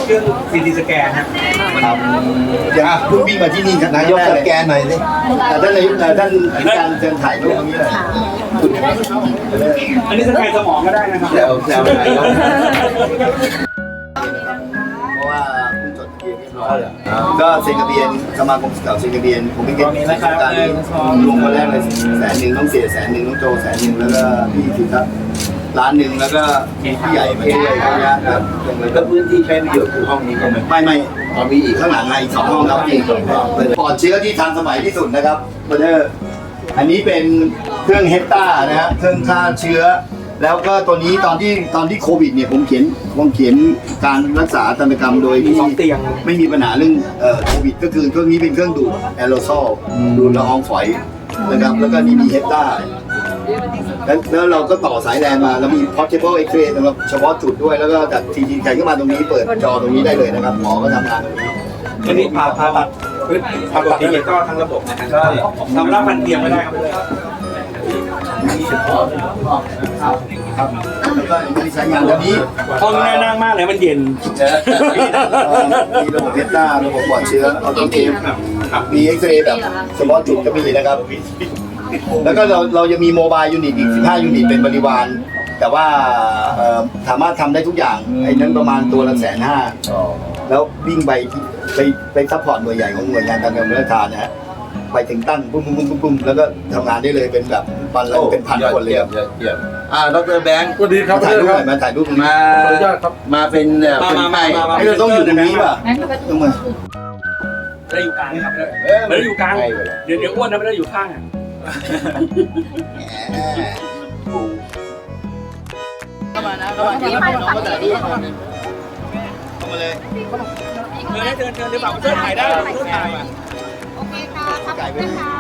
เครื่อง CT สแกนครับอย่างเพิ่งวิ่งมาที่นี่นายกสแกนหน่อยสิท่านนายกท่านอธิการเชิญถ่ายรูปตรงนี้เลยอันนี้สแกนสมองก็ได้นะครับแซวนายกเพราะว่าเพิ่งจดทะเบียนเรียบร้อยก็เซ็นทะเบียนสมาคมสเกาต์เซ็นทะเบียนผมไม่เก็บการลงมาแรกเลย100,000ต้องเสีย100,000ต้องโจ100,000แล้วก็พี่สิครับ1,000,000แล้วก็พี่ใหญ่มาช่วยครับแล้วพื้นที่ใช้ประโยชน์คือห้องนี้ใช่ไหมไม่มีอีกข้างหลังอีก2ห้องครับอีกปลอดเชื้อที่ทันสมัยที่สุดนะครับเบอร์เดอร์อันนี้เป็นเครื่องเฮปตานะฮะเครื่องฆ่าเชื้อแล้วก็ตัวนี้ตอนที่โควิดเนี่ยผมเขียนการรักษาตันตกรรมโดยที่ไม่มีปัญหาเรื่องโควิดก็คือเครื่องนี้เป็นเครื่องดูดแอโรซอลดูดละอองฝอยนะครับแล้วก็นี่มีเฮปตาแล้วเราก็ต่อสายแลนมาแล้วมี portable X-ray สำหรับเฉพาะจุดด้วยแล้วก็จากทีทีแข่งขึ้นมาตรงนี้เปิดจอตรงนี้ได้เลยนะครับหมอก็ทำงานตรงนี้อันนี้ผ่าตัดดิจิตอลทั้งระบบนะครับก็ทำรับพันเทียมไม่ได้ครับครับแล้วก็มีสายงานตัวนี้ห้องน่านั่งมากเลยมันเย็นมีระบบเฮปตาระบบปลอดเชื้อออโตเกมมีเอ็กซเรย์แบบเฉพาะจุดก็มีนะครับ แล้วก็เราจะมีโมบายยูนิตอีก15ยูนิตเป็นบริวารแต่ว่าสามารถทำได้ทุกอย่างไอ้นั้นประมาณตัวละ150,000แล้ววิ่งไปซัพพอร์ตหน่วยใหญ่ของหน่วยงานการเงินและธนาคารนะฮะไปถึงตั้งปุ้มแล้วก็ทำงานได้เลยเป็นแบบเป็นพันคนเลยครับดร.แบงค์สวัสดีครับถ่ายรูปหน่อยมาถ่ายรูปมาขออนุญาตครับมาเป็นให้เราต้องอยู่ตรงนี้ป่ะต้องมาไม่ได้อยู่กลางครับไม่ได้อยู่กลางเดี๋ยวอ้วนนะไม่ได้อยู่ข้างอ่ะเข้ามานะเข้ามาที่มาเข้ามาเลยเดินเดินเดี๋ยวแบบเพื่อนถ่ายได้เพื่อนถ่ายโอเคค่ะขอบคุณนะคะ